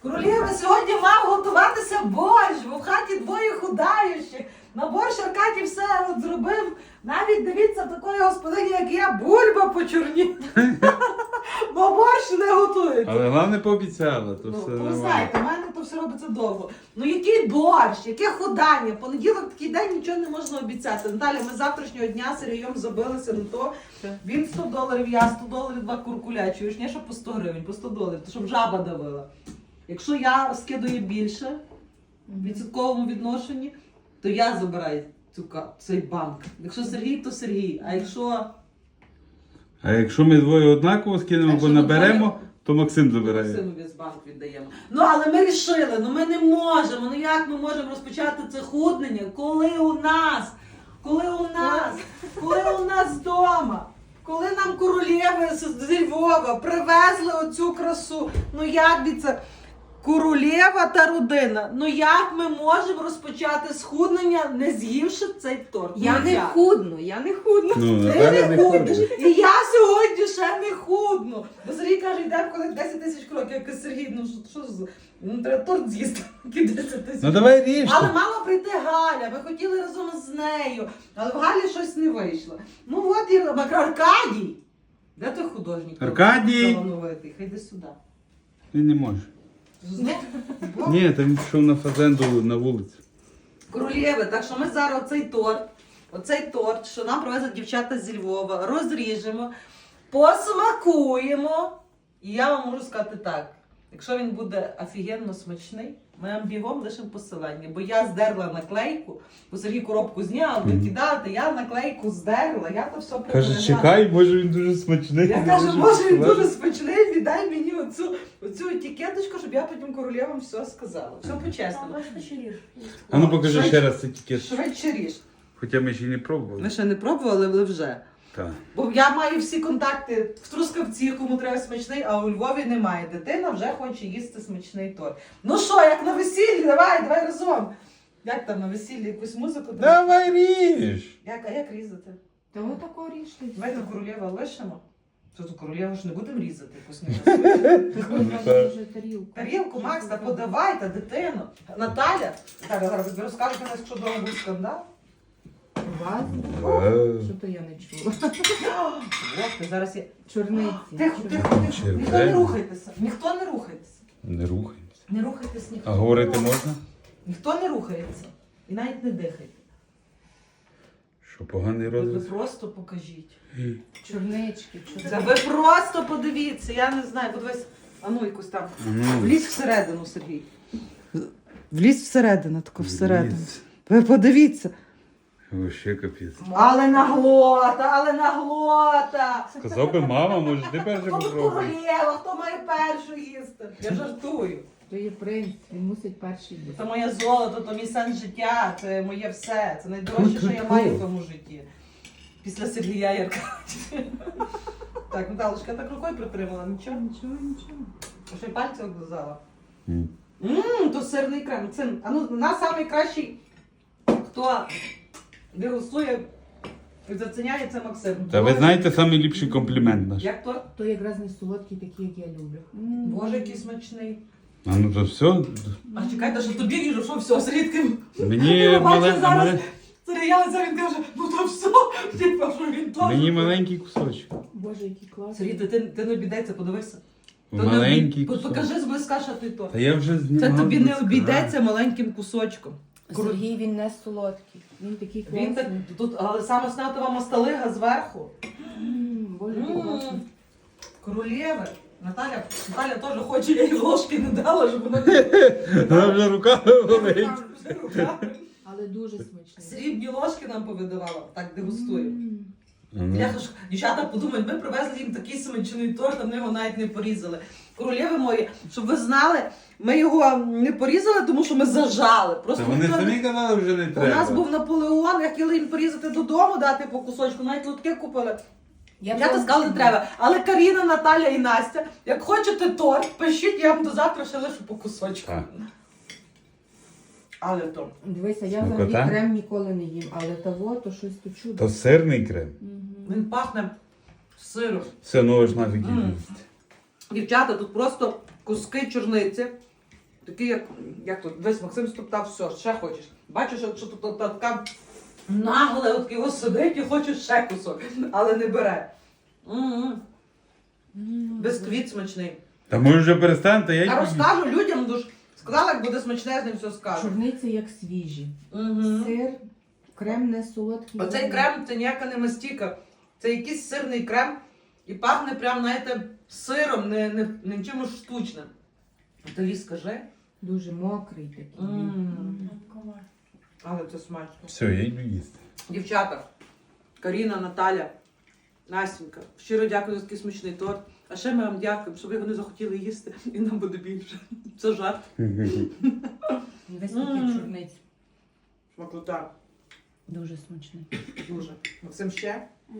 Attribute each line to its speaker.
Speaker 1: Королєва, сьогодні мав готуватися борщ, бо в хаті двоє худаючих. На борщ Аркадій все от зробив. Навіть, дивіться, такої господині, як я, бульба почорніла. Бо борщ не готується.
Speaker 2: Але головне пообіцяла, то все
Speaker 1: Ви
Speaker 2: нормально.
Speaker 1: знаєте, в мене то все робиться довго. Ну який борщ, яке ходання? Понеділок такий день нічого не можна обіцяти. Наталя, ми з завтрашнього дня Сергієм забилися на то. Він $100, я $100, 2 куркуля. Чуєш, не що по 100 гривень, по $100, то щоб жаба давила. Якщо я скидаю більше в відсотковому відношенні, то я забираю цей банк. Якщо Сергій, то Сергій.
Speaker 2: А якщо ми двоє однаково скинемо або наберемо, то Максим забирає.
Speaker 1: Максиму весь банк віддаємо. Ну, але ми рішили, ми не можемо. Ну як ми можемо розпочати це худнення, коли у нас вдома, коли нам королєви з Львова привезли оцю красу. Ну як би це? Королєва та родина. Ну як ми можемо розпочати схуднення, не з'ївши цей торт?
Speaker 3: Я
Speaker 1: Ну,
Speaker 3: не
Speaker 1: як?
Speaker 3: худну.
Speaker 2: Ну,
Speaker 1: Ти
Speaker 2: Наталя
Speaker 1: не
Speaker 2: не
Speaker 1: худнеш.
Speaker 2: ходить.
Speaker 1: І я сьогодні ще не худну. Бо Сергій каже, йдемо коли 10 тисяч кроків. Я кажу, Сергій, ну що ж, ну треба торт з'їсти, які 10 тисяч.
Speaker 2: Ну давай ріж.
Speaker 1: Але мала прийти Галя, ми хотіли разом з нею, але в Галі щось не вийшло. Ну от і Аркадій. Де той художник?
Speaker 2: Аркадій!
Speaker 1: Талановитий, хай йди сюди.
Speaker 2: Він не може.
Speaker 1: Знов?
Speaker 2: Ні, там пішов на фазенду на вулицю.
Speaker 1: Королєви, так що ми зараз оцей торт, що нам привезли дівчата зі Львова, розріжемо, посмакуємо. І я вам можу сказати так, якщо він буде офігенно смачний, ми вам бігом лишимо посилання. Бо я здерла наклейку, бо Сергій коробку зняв, викидати, я наклейку здерла, я то все
Speaker 2: Каже,
Speaker 1: приберегла.
Speaker 2: чекай, може він дуже смачний.
Speaker 1: Я кажу, може він дуже смачний, віддай мені оцю етикеточку, щоб я потім королевам все сказала. Все по-чесному.
Speaker 2: А ну покажи ще раз цей тікет.
Speaker 1: Швидше ріж.
Speaker 2: Хоча ми ще й не пробували.
Speaker 1: Ми ще не пробували, але вже.
Speaker 2: Так.
Speaker 1: Бо я маю всі контакти в Трускавці, кому треба смачний, а у Львові немає. Дитина вже хоче їсти смачний торт. Ну що, як на весіллі, давай разом. Як там на весіллі якусь музику?
Speaker 2: Давай ріж!
Speaker 1: А як різати?
Speaker 3: Та ви тако ріжте.
Speaker 1: Давайте королєва лишимо. Що тут королєву ж не будемо різати якусь не
Speaker 3: Дуже тарілку.
Speaker 1: Тарілку, Макс, та подавай, та дитину. Наталя, зараз тобі розкажете, якщо вдома був скандал.
Speaker 3: Вас? Що то я не чула.
Speaker 1: Ох, зараз я...
Speaker 3: Чорниці.
Speaker 1: Тихо. Ніхто не рухайтеся. Ніхто не рухайтеся.
Speaker 2: Не рухаємося.
Speaker 1: Не рухайтесь ніхто.
Speaker 2: А говорити можна?
Speaker 1: Ніхто не рухається. І навіть не дихайте.
Speaker 2: Що, поганий
Speaker 1: Ви
Speaker 2: розвиток?
Speaker 1: просто покажіть.
Speaker 3: Чорнички.
Speaker 1: Це ви просто подивіться, я не знаю, подивись, а ну якусь там. Влізь всередину, Сергій. Влізь всередину, тако всередину. Ви подивіться.
Speaker 2: Вообще капець.
Speaker 1: Але наглота.
Speaker 2: Сказав би мама, може ти перше
Speaker 1: Хто тут
Speaker 2: попробуй.
Speaker 1: королева, хто має першу їсти? Я жартую.
Speaker 3: То є принц, він мусить перший
Speaker 1: Це
Speaker 3: бути.
Speaker 1: моє золото, то мій сенс життя, це моє все. Це найдорожче, що я маю в тому житті. Після Сергія і Аркадія. Так, Наталочка, я так рукою притримала, нічого?
Speaker 3: Нічого.
Speaker 1: А що й пальці облизала?
Speaker 2: М.
Speaker 1: То сирний крем. Це, нас найкращий, хто дегустує і заценяє, це Максим.
Speaker 2: Та ви знаєте самий ліпший комплімент наш.
Speaker 1: Як торт?
Speaker 3: То якраз не солодкий, такий, як я люблю.
Speaker 1: Боже, який смачний.
Speaker 2: А ну то все.
Speaker 1: А чекайте, що тобі ріжу, що все, Сергій,
Speaker 2: Мені
Speaker 1: бачу
Speaker 2: мале...
Speaker 1: зараз.
Speaker 2: мале-
Speaker 1: Сергій, він каже, ну то все, типа, що він теж.
Speaker 2: Мені маленький кусочок.
Speaker 3: Боже, який класний.
Speaker 1: Сергій, ти не обійдеться, подивися.
Speaker 2: Маленький кусочок.
Speaker 1: Покажи зблизька, що ти то.
Speaker 2: Та я вже знімав.
Speaker 1: Це тобі не
Speaker 2: близька.
Speaker 1: обійдеться маленьким кусочком.
Speaker 3: Сергій, він не солодкий. Він такий класний.
Speaker 1: Він так, тут, але саме снатова масталига зверху.
Speaker 3: Боже, який класний.
Speaker 1: Королєви. Наталя теж хоче, я їй ложки не дала, щоб вона не
Speaker 2: Вона вже руками болить.
Speaker 1: руками.
Speaker 3: Але дуже смачний.
Speaker 1: Срібні ложки нам повидавала, так дегустує.
Speaker 2: Ну.
Speaker 1: Я ж, дівчата подумають, ми привезли їм такий смачний торт, а ми його навіть не порізали. Королєви мої, щоб ви знали, ми його не порізали, тому що ми зажали.
Speaker 2: Та
Speaker 1: Просто
Speaker 2: вони
Speaker 1: ніхто не-
Speaker 2: самі казали, вже не
Speaker 1: У
Speaker 2: треба.
Speaker 1: нас був Наполеон, я хотіла їм порізати додому, дати по кусочку, навіть лотки купили. Я то сказала, не треба. Але Каріна, Наталя і Настя, як хочете торт, пишіть, я вам до завтра ще лишу по кусочку.
Speaker 2: Так.
Speaker 1: Але то.
Speaker 3: Дивися, я
Speaker 2: Смакота?
Speaker 3: взагалі крем ніколи не їм, але того, то щось то чудо.
Speaker 2: То сирний крем.
Speaker 1: Він пахне сиром.
Speaker 2: Все, ну аж нафіг
Speaker 1: Мм.
Speaker 2: їсти.
Speaker 1: Дівчата, тут просто куски чорниці, Такий, як тут, весь Максим стоптав, все, ще хочеш. Бачиш, що тут така нагле, от його сидить і хоче ще кусок, але не бере. Бисквіт смачний.
Speaker 2: Та може вже перестаньте, я
Speaker 1: Я
Speaker 2: й
Speaker 1: розкажу людям, дуже сказала, як буде смачне, з ним все скажу.
Speaker 3: Чорниці як свіжі.
Speaker 1: Мгм.
Speaker 3: Сир, крем не солодкий.
Speaker 1: Оцей крем це ніяка не мастіка. Це якийсь сирний крем і пахне прям, знаєте, сиром, не чимось штучним. Тобі скажи.
Speaker 3: Дуже мокрий такий.
Speaker 1: Але це смачно.
Speaker 2: Все, я йду їсти.
Speaker 1: Дівчата, Каріна, Наталя, Настенька, щиро дякую за такий смачний торт. А ще ми вам дякуємо, щоб ви його не захотіли їсти, і нам буде більше. Це жарт.
Speaker 3: Весь такий чорниць.
Speaker 1: Смакота.
Speaker 3: Дуже смачний.
Speaker 1: Дуже. Максим ще?